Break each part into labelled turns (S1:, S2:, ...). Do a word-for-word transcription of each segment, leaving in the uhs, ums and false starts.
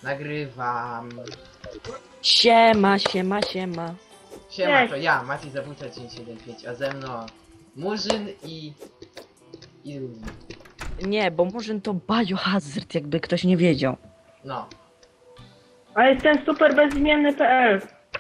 S1: Nagrywam.
S2: Siema, siema, siema.
S1: Siema,
S3: Cześć.
S1: to ja, Mati Zabójca dziewięć siedem pięć, a ze mną Murzyn i... i Rudy.
S2: Nie, bo Murzyn to Biohazard, jakby ktoś nie wiedział.
S1: No.
S3: A jestem super bezimienny kropka p l.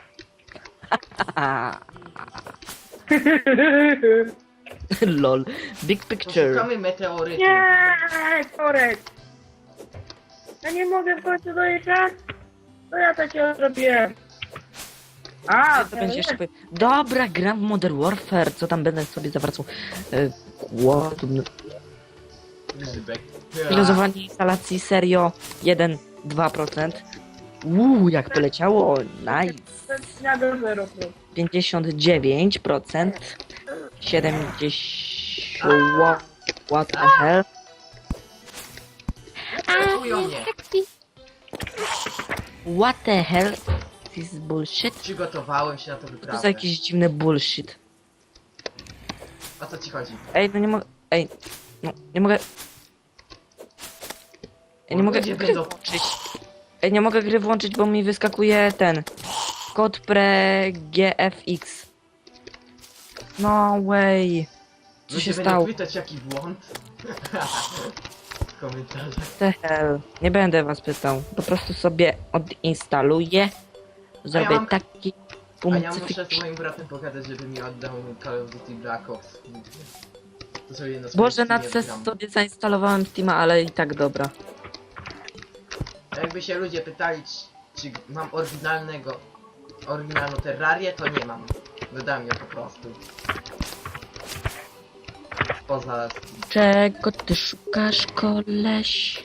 S2: Lol. Big picture.
S1: Poszukamy meteorytu.
S3: Nie, korek. Ja nie mogę w końcu dojechać. To ja takiego zrobiłem. A,
S2: To będzie jeszcze... Dobra, gram w Modern Warfare, co tam będę sobie zawracał. E, Głodny.
S1: Grzybek.
S2: Filozowanie instalacji serio jeden dwa procent. Uuu, jak poleciało. Nice.
S3: ja do zero.
S2: pięćdziesiąt dziewięć procent. siedemdziesiąt... What, what the hell?
S1: Atakują mnie.
S2: What the hell? This is bullshit?
S1: Przygotowałem się na to
S2: To
S1: wyprawę.
S2: za jakiś dziwny bullshit.
S1: O co ci chodzi?
S2: Ej, no nie mogę... Ej, no nie mogę... Ej, nie
S1: O,
S2: mogę
S1: ludzie
S2: gry
S1: będą-
S2: włączyć. Ej, nie mogę gry włączyć, bo mi wyskakuje ten... Kod pre G F X. No way. Co
S1: Ludzie
S2: się
S1: będą
S2: stało?
S1: pytać jaki błąd. W komentarzach.
S2: The hell. Nie będę was pytał. Po prostu sobie odinstaluję. Zrobię
S1: mam-
S2: taki...
S1: A ja muszę
S2: Pumcyfik.
S1: z moim bratem pogadać, żeby mi oddał Call of Duty Black Ops. To sobie na
S2: Boże, na
S1: Steamie
S2: C E S
S1: gram.
S2: sobie zainstalowałem Steama, ale i tak dobra.
S1: Jakby się ludzie pytali, czy, czy mam oryginalnego, oryginalną Terrarię, to nie mam. Dodam ją po prostu. Poza...
S2: Czego ty szukasz, koleś?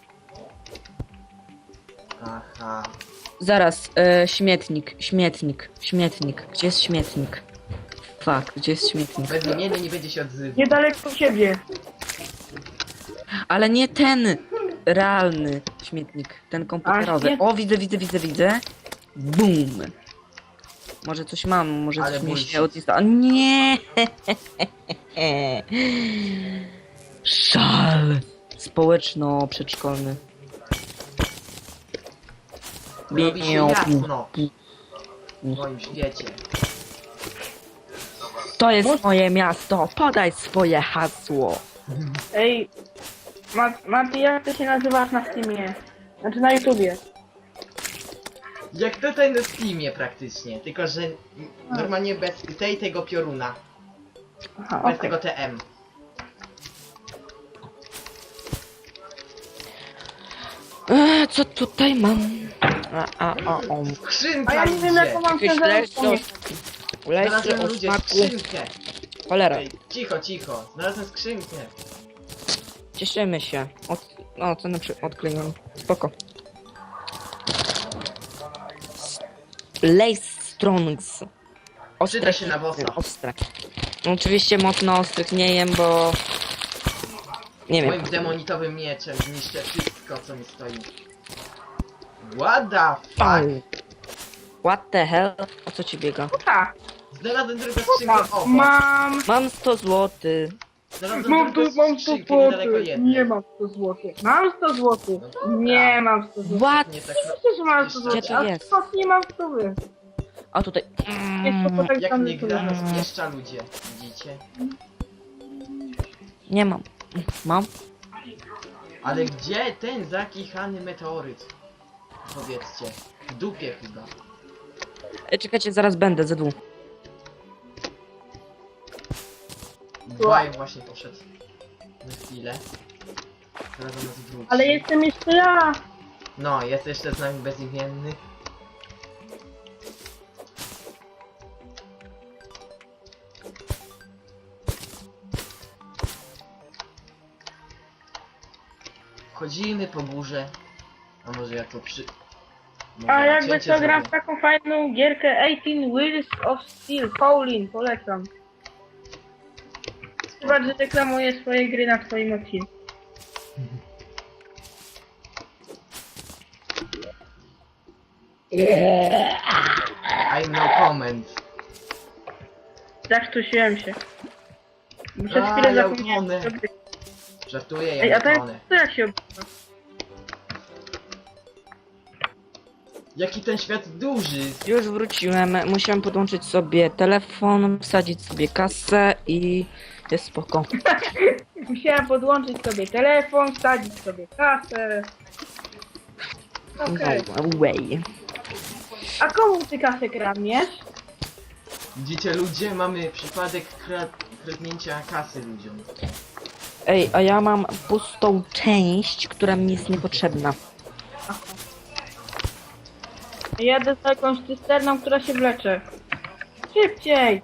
S1: Aha.
S2: Zaraz, e, śmietnik, śmietnik, śmietnik. Gdzie jest śmietnik? Fuck, gdzie jest śmietnik?
S1: Bezimienny nie będzie się odzywał.
S3: Niedaleko siebie.
S2: Ale nie ten realny śmietnik, ten komputerowy.
S3: A, śmiet-
S2: O, widzę, widzę, widzę, widzę. Boom. Może coś mam, może
S1: Ale
S2: coś mi
S1: bullshit.
S2: się odinstalowało. Nie! Szal społeczno-przedszkolny.
S1: Robi się
S2: Miau.
S1: jasno. W moim świecie.
S2: To jest moje miasto, podaj swoje hasło.
S3: Ej, Mat Mati, jak ty się nazywasz na Steamie? Znaczy na YouTubie.
S1: Jak tutaj na Steamie praktycznie, tylko że normalnie bez tej tego pioruna.
S3: Aha,
S1: Bez
S3: okej.
S1: tego T M.
S2: E, co tutaj mam? A, a, a, o.
S3: A
S1: Skrzynka
S3: ja nie wiem
S1: ludzie!
S3: jaką mam
S2: Jakieś
S3: ciężarówkę.
S2: lesy o, lesy
S1: Znalazłem
S2: o
S1: ludzie
S2: smaku.
S1: skrzynkę!
S2: Cholera,
S1: Ej, cicho, cicho. Znalazłem skrzynkę.
S2: cieszymy się. Od, no, co na przykład odkleiłem. Spoko. Lace Strongs.
S1: Przyda się na bossa.
S2: Ostre. No, oczywiście mocno ostrych nie jem, bo... Nie wiem.
S1: Moim demonitowym mieczem zniszczę wszystko, co mi stoi. What the fuck?
S2: Au. What the hell? O co ci biega?
S3: Tak,
S1: Znalazłem drugą skrzynkę obok.
S3: mam...
S2: Mam sto złotych.
S1: Znalazłem
S3: Mam tu,
S1: drugą
S3: mam sto
S1: skrzynkę niedaleko
S3: złotych.
S1: jednej.
S3: Nie mam sto złotych. Mam sto złotych.
S1: No dobra.
S3: Nie mam sto złotych.
S2: What?
S1: Nie tak,
S3: Oczywiście, że mam sto
S1: Gdzie
S3: złotych.
S2: to
S3: A
S2: jest?
S3: skąd nie mam sto złotych?
S2: A tutaj...
S3: Jest to po tak
S1: jak
S3: zwanym
S1: nie gra,
S3: sobie.
S1: to spieszcza ludzie. Widzicie?
S2: Nie mam. Mam?
S1: Ale gdzie ten zakichany meteoryt? Powiedzcie. W dupie chyba.
S2: E, czekajcie, zaraz będę, ze dwóch.
S1: Baj właśnie poszedł. Na chwilę. Teraz do nas wróci.
S3: Ale jestem jeszcze ja.
S1: No, jest jeszcze z nami bezimienny. Chodzimy po górze. A może jak to przy... Może
S3: A jakby
S1: cięcie
S3: co gram w
S1: zrobię.
S3: taką fajną gierkę eighteen Wheels of Steel. Paulin, polecam. Chyba, że reklamuję swoje gry na swoim odcinku.
S1: I'm no comment.
S3: Zakrztusiłem się. Przez
S1: A,
S3: chwilę
S1: ja
S3: zapomniałem.
S1: utonę.
S3: co gry.
S1: Żartuję,
S3: Ej,
S1: ja
S3: a
S1: nie
S3: ten,
S1: tonę.
S3: to jak się obrywa?
S1: Jaki ten świat duży!
S2: Już wróciłem, musiałem podłączyć sobie telefon, wsadzić sobie kasę i jest spoko.
S3: Musiałem podłączyć sobie telefon, wsadzić sobie kasę. Okej.
S2: No way.
S3: A komu ty kasę kradniesz?
S1: Widzicie ludzie, mamy przypadek kra kradnięcia kasy ludziom.
S2: Ej, a ja mam pustą część, która mi jest niepotrzebna.
S3: Jadę za jakąś cysterną, która się wlecze. Szybciej!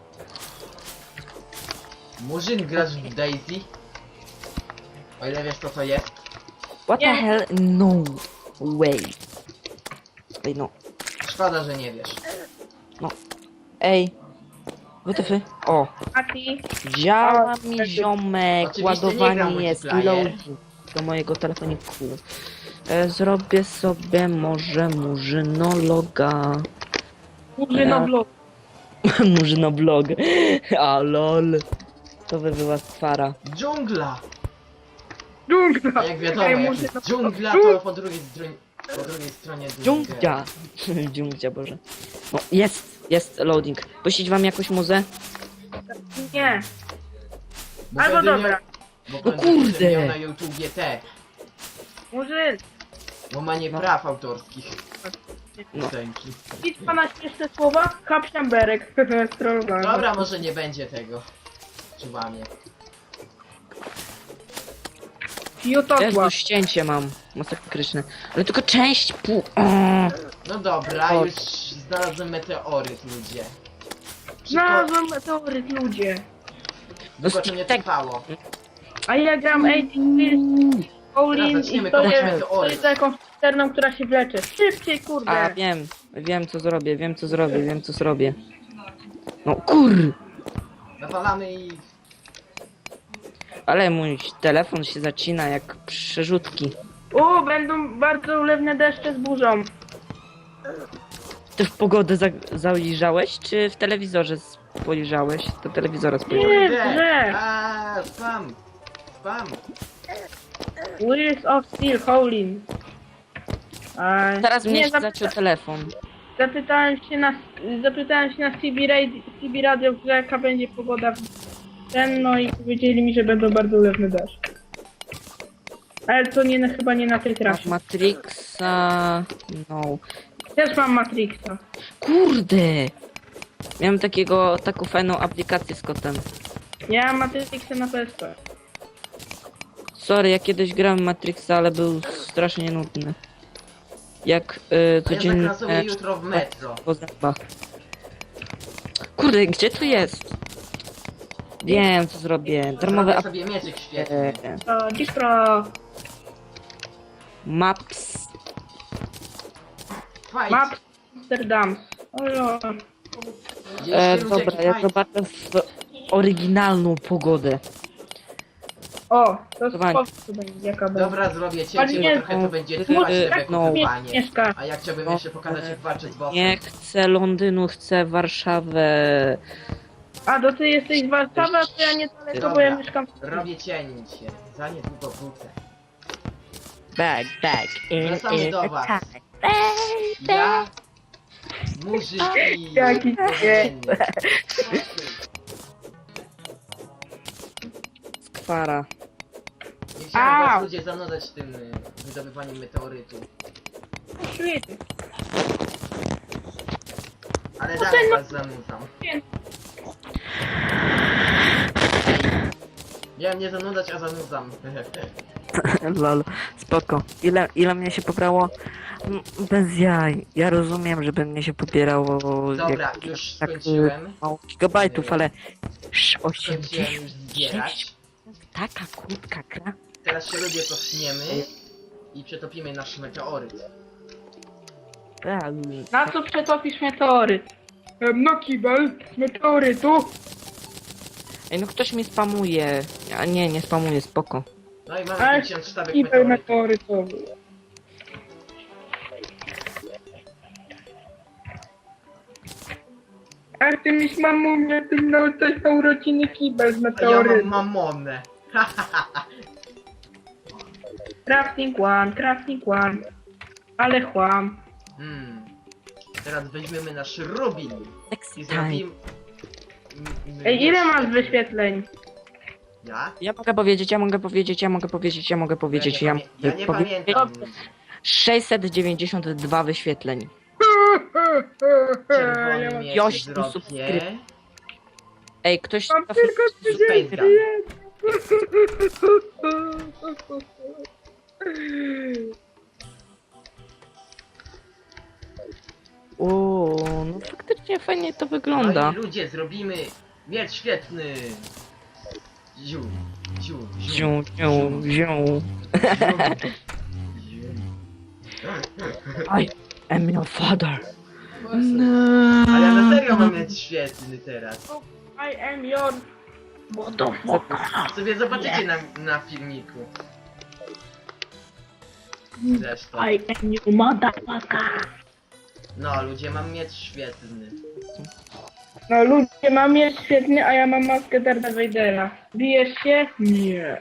S1: Murzyn, grasz w Daisy? O ile wiesz co to jest?
S2: What the
S3: Nie.
S2: hell? No way. Ej, no.
S1: Szkoda, że nie wiesz.
S2: Ej. Wytyfy. O.
S3: Mati,
S2: Działa mi ziomek.
S1: Oczywiście nie gram
S2: Ładowanie jest.
S1: multiplayer.
S2: Loading do mojego telefoniku. E, zrobię sobie może murzynologa.
S3: Murzynoblok.
S2: Murzynoblog. A lol. To by była skwara.
S1: Dżungla!
S3: Dżungla!
S1: A jak wiadomo,
S3: Ej,
S1: jak
S3: murzyno-
S1: jest dżungla, to po drugiej stronie, po drugiej stronie dżungla.
S2: Dżungcia. Dżungcia, Boże. No, jest, jest loading. Puścić wam jakąś muzę?
S3: Nie.
S1: Bo
S3: Albo
S1: będę
S3: dobra.
S1: Miał, bo
S2: No
S1: będę
S2: kurde.
S1: miał na YouTubie te,
S3: Murzyn,
S1: bo ma nie
S2: No.
S1: praw autorskich.
S2: No.
S1: Piosenki.
S3: idź pana śmieszne słowa, kapszamberek. Strollowany.
S1: Dobra, może nie będzie tego. Czuwamie.
S2: Też
S3: Jutotła.
S2: tu ścięcie mam. Masakryczne. Ale tylko część pół. O,
S1: No dobra,
S2: O.
S1: już znalazłem meteoryt, ludzie. Szybko,
S3: Znalazłem meteoryt, ludzie.
S1: długo to nie
S2: Tak.
S1: trwało.
S3: A ja gram eighteen Pills, Olin
S1: Teraz
S3: i
S1: zaczniemy
S3: to
S1: kopać
S3: jest,
S1: meteoryt.
S3: to jest jakąś cysterną, która się wlecze. Szybciej,
S2: A
S3: kurde.
S2: wiem, wiem co zrobię, wiem co zrobię, wiem co zrobię. No kur!
S1: Nawalamy i...
S2: Ale mój telefon się zacina jak przerzutki.
S3: O, będą bardzo ulewne deszcze z burzą.
S2: Ty w pogodę za zajrzałeś, czy w telewizorze spojrzałeś? Do telewizora spojrzałeś.
S3: Nie,
S1: Kurde!
S3: że.
S1: Aaa, spam! Spam!
S3: Wheels of Steel, Howlin. A,
S2: Teraz mnie
S3: nie,
S2: się
S3: zapyta
S2: zaciął telefon.
S3: zapytałem się na zapytałem się na C B Radio, C B Radio, że jaka będzie pogoda w ten, no i powiedzieli mi, że będą bardzo ulewne deszcze. Ale to nie na, chyba nie na tej trasie.
S2: Matrixa... No.
S3: Też mam Matrixa.
S2: Kurde! Miałem takiego, taką fajną aplikację z kotem.
S3: Ja mam Matrixa na P S P.
S2: Sorry, ja kiedyś grałem w Matrixa, ale był strasznie nudny. Jak y,
S1: A ja
S2: codziennie...
S1: zakrasuję jutro w metro.
S2: po zębach. Kurde, gdzie to jest? Wiem, co zrobię. Darmowe
S1: Zrobię
S2: ap...
S1: sobie mieczyk świetny.
S2: e,
S3: To Dipro.
S2: Maps.
S1: Fight!
S3: Map Amsterdam. Ojo.
S1: Widzieliście,
S2: E,
S1: ludzie,
S2: dobra,
S1: jaki
S2: ja
S1: fight?
S2: zobaczę w oryginalną pogodę.
S3: O, to
S2: Dobra.
S3: spoko będzie jaka będzie.
S1: Dobra, zrobię cięcie,
S3: Ale
S1: bo
S3: nie-
S1: trochę to będzie
S2: No,
S1: trwać
S2: y,
S1: te
S2: no.
S1: wykupywanie.
S3: Mieszka.
S1: A ja chciałbym
S2: No,
S1: jeszcze pokazać jak walczę z bossem.
S2: Nie chcę Londynu, chcę Warszawę.
S3: A, to ty jesteś z Warszawy, a to ja niedaleko, bo
S1: Dobra.
S3: ja mieszkam w
S1: Robię cięcie. Za niedługo wrócę.
S2: Back, back, in,
S1: Wracamy
S2: in
S1: do
S2: the
S1: was.
S2: time.
S1: Ja... Murzyk i...
S3: Jaki
S1: codziennie.
S2: Skwara.
S1: Nie chciałem
S3: Au.
S1: was ludzie zanudzać tym y, wydobywaniem meteorytu.
S3: świecie.
S1: Ale
S3: No
S1: dalej
S3: ten-
S1: was zanudzam. Miałem nie zanudzać, a zanudzam.
S2: Lol, spoko. Ile, ile mnie się pobrało? Mm, Bez jaj. Ja rozumiem, żeby mnie się pobierało
S1: Dobra,
S2: jak,
S1: już
S2: tak
S1: skończyłem.
S2: mało gigabajtów, ale
S1: Skończyłem
S2: osiemdziesiąt.
S1: już zbierać.
S2: Taka krótka gra.
S1: Teraz się ludzie cofniemy i przetopimy nasz meteoryt.
S2: Tak.
S3: Na co przetopisz meteoryt? Em, No kibel z meteorytu.
S2: Ej, no ktoś mi spamuje. A nie, nie spamuje, spoko.
S1: No i mamy
S3: Ale
S1: pięćdziesiąt sztabek
S3: kibel
S1: meteorytu.
S3: meteorytowy. A ty miś mamunie, ty miał też na urodziny kibel z
S1: A ja mam
S3: meteorytu.
S1: mamonę.
S3: Crafting one, crafting one. Ale chłam.
S1: Hmm. Teraz weźmiemy nasz rubin i
S2: Sexy time.
S1: zrobimy... m-
S3: Ej, ile masz
S1: świetny.
S3: wyświetleń?
S1: Ja?
S2: Ja mogę powiedzieć, ja mogę powiedzieć, ja mogę powiedzieć, ja mogę powiedzieć,
S1: ja
S2: ja
S1: nie, pamię- ja
S2: mogę
S1: nie
S2: powiedzieć.
S1: pamiętam.
S2: sześćset dziewięćdziesiąt dwa wyświetleń.
S1: Czerwony
S3: Ja
S1: miecz
S2: Joś,
S1: zrobię.
S2: subskryp- Ej, ktoś...
S3: Mam tylko trzydzieści
S1: Speedrun.
S2: O, no faktycznie fajnie to
S1: No
S2: wygląda.
S1: i ludzie, zrobimy miecz świetny. Ziu, ziu, ziu,
S2: Ziu, ziu, ziu.
S1: ziu.
S2: I am your father.
S1: Ale ja na serio mam miecz świetny teraz.
S3: I am your... Motherfucker.
S1: Sobie zobaczycie na, na filmiku. Zresztą.
S3: I am your motherfucker.
S1: No ludzie, mam miecz świetny.
S3: No ludzie, mam miecz świetny, a ja mam maskę Darda Vadera. Bijesz się? Nie.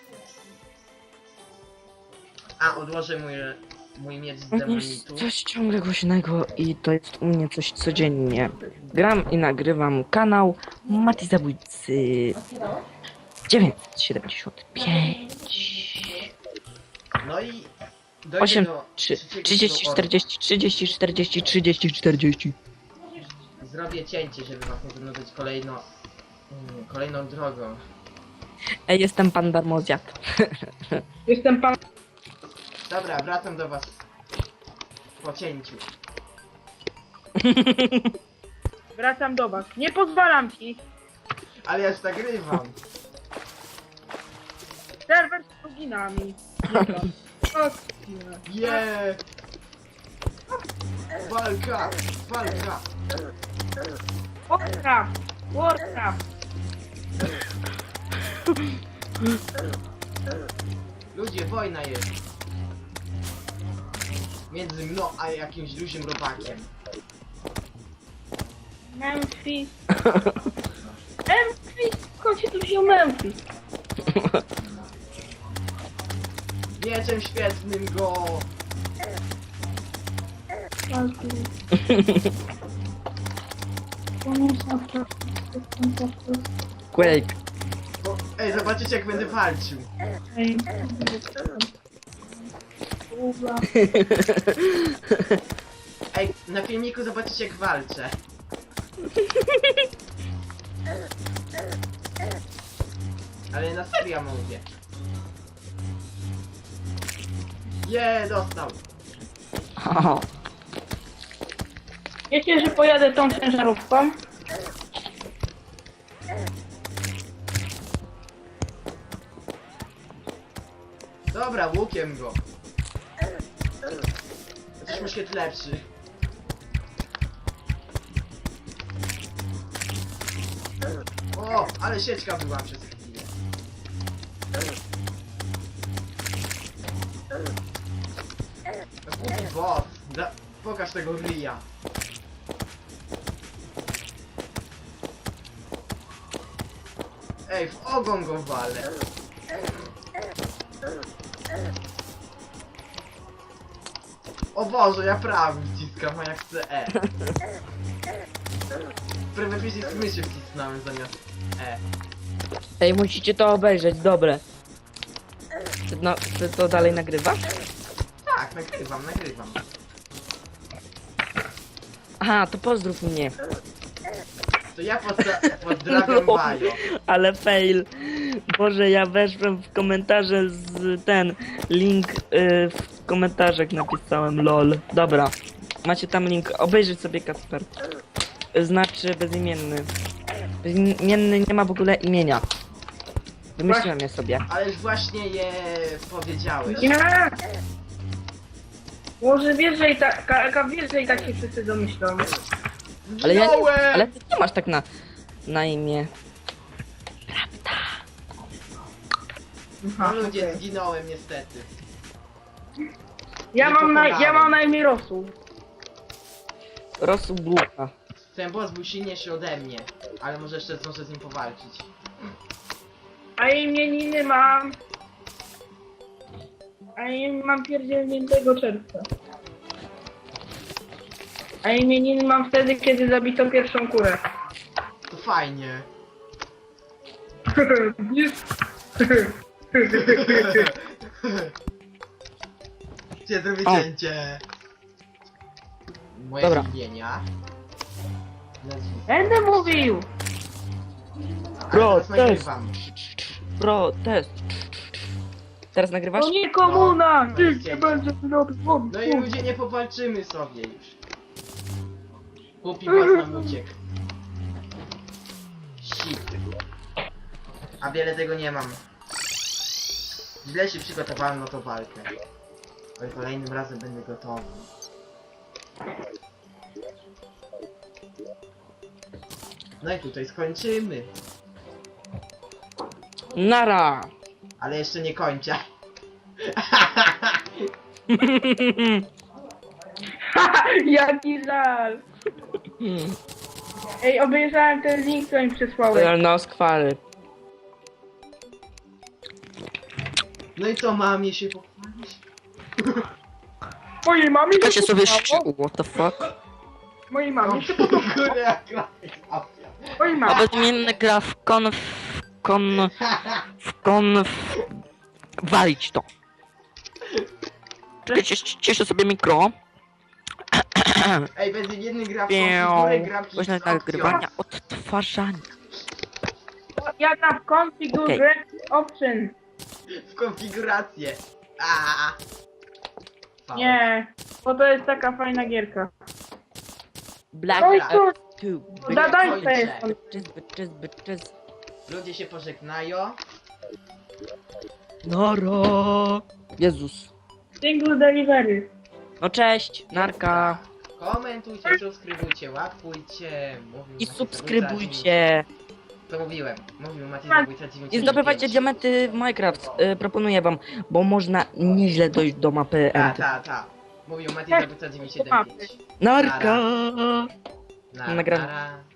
S1: A, odłożę mój, mój miecz z
S2: To jest
S1: demonitu.
S2: coś ciągle głośnego i to jest u mnie coś codziennie. Gram i nagrywam kanał Mati Zabójcy dziewięćset siedemdziesiąt pięć.
S1: No i dojdzie
S2: osiem,
S1: do
S2: trzy,
S1: trzeciego
S2: trzydzieści,
S1: orku.
S2: czterdzieści, trzydzieści, czterdzieści, trzydzieści, czterdzieści.
S1: Zrobię cięcie, żeby was nie zanudzać kolejno, mm, kolejną drogą.
S2: Ej, jestem pan darmozjad.
S3: Jestem pan...
S1: Dobra, wracam do was po cięciu.
S3: Wracam do was. Nie pozwalam ci.
S1: Ale ja już nagrywam.
S3: Serwer z pluginami.
S1: Yeah! Walka! Walka!
S3: Warcraft. Warcraft.
S1: Ludzie, wojna jest. Między mną a jakimś dużym robakiem.
S3: Memphis. Memphis. Skąd się tu wziął Memphis?
S1: Mieczem świetnym go!
S2: Quake.
S1: O, ej, zobaczycie jak będę walczył. Ej, na filmiku zobaczycie jak walczę. Ale na serio mówię. Je, dostał.
S2: O,
S3: Wiecie, że pojadę tą ciężarówką?
S1: Dobra, łukiem go. Chociaż muszkiet lepszy. O, ale sieczka była przez chwilę. Głupi bot. Da, pokaż tego ryja. Ej, w ogon go walę. O Boże, ja prawy wciskam, a jak chcę E. Prawie przycisk myszy wcisnąłem zamiast E.
S2: ej, musicie to obejrzeć, dobre. Ty, no, ty to dalej nagrywasz?
S1: Tak, nagrywam, nagrywam.
S2: Aha, to pozdrów mnie.
S1: To ja pozdra pozdrawiam Bajo.
S2: Ale fail. Boże, ja weszłem w komentarze z ten link y, w komentarzach napisałem lol. Dobra. Macie tam link. Obejrzyj sobie Kacper. Znaczy bezimienny. Bezimienny nie ma w ogóle imienia. Wymyśliłem je sobie.
S1: Ale już właśnie je powiedziałeś.
S3: Nie! Może wiesz, że i tak, Ka- wiesz, że i tak się wszyscy domyślą.
S2: Ale ja nie,
S1: Zginąłem!
S2: ale ty nie masz tak na, na imię.
S1: No ludzie, zginąłem niestety.
S3: Ja
S1: Nie
S3: mam na, ja
S1: pokonałem.
S3: mam na imię Rosu.
S2: Rosół bułka.
S1: Ten boss był silniejszy ode mnie, ale może jeszcze zdążę z nim powalczyć.
S3: A imieniny mam... A im mam pierdzielniętego czerwca. A imieniny mam wtedy, kiedy zabito pierwszą kurę.
S1: To fajnie. Gdzie zrobię
S2: O.
S1: cięcie? Moje
S2: Dobra.
S1: imienia.
S3: Będę mówił!
S2: Bro,
S1: Ale teraz
S2: test.
S1: nagrywam.
S2: Pro, test. Teraz nagrywasz?
S3: To nie komuna!
S1: No,
S3: Ty
S1: no,
S3: nie będziesz robił.
S1: No i ludzie, nie powalczymy sobie już. Głupi was nam uciekł. Shit. A wiele tego nie mam. Źle się przygotowałem na tą walkę. Ale kolejnym razem będę gotowy. No i tutaj skończymy.
S2: Nara!
S1: Ale jeszcze nie kończę.
S3: Jaki żal! Ej, obejrzałem ten link, co mi przesłałeś.
S2: No, skwary.
S1: No i co, mamie się pochwalić?
S3: Mojej mamie
S2: Ja
S3: się
S2: się sobie
S3: podobało.
S2: sz... What the fuck?
S3: Mojej
S1: No,
S3: mamie się podobało.
S1: kurde, jak grafika.
S3: Mojej
S2: A
S3: mamie.
S2: bezimienny gra w kon... w kon... w kon... w... walić to. Czekaj, ciesz- cieszę sobie mikro.
S1: Ej, będzie jedny gra w
S2: Pię.
S1: konfigurę grafiki
S2: Właśnie
S1: z opcją.
S2: nagrywania, odtwarzania.
S3: Ja na configure option.
S1: W konfigurację. Aaaa. Fał.
S3: Nie, bo to jest taka fajna gierka.
S2: Black
S3: No i
S1: Dobra.
S3: co?
S2: Ops two.
S3: Dadańca
S1: kończę.
S3: jest.
S2: Bitches, bitches, bitches.
S1: Ludzie się pożegnają.
S2: Nara. Jezus.
S3: Single delivery.
S2: No cześć, narka.
S1: Komentujcie, subskrybujcie, łapkujcie. Mówił
S2: I
S1: Maciej
S2: subskrybujcie.
S1: Zabójca- To mówiłem. Mówił Maciej Zabójca dziewięćdziesiąt
S2: I zdobywajcie diamenty w Minecraft. Y, proponuję wam, bo można nieźle dojść do mapy
S1: Ta,
S2: Enty.
S1: ta, ta. Mówił Maciej Zabójca dziewięćset siedemdziesiąt pięć.
S2: Narka.
S1: Na,
S2: Nagram.
S1: nara.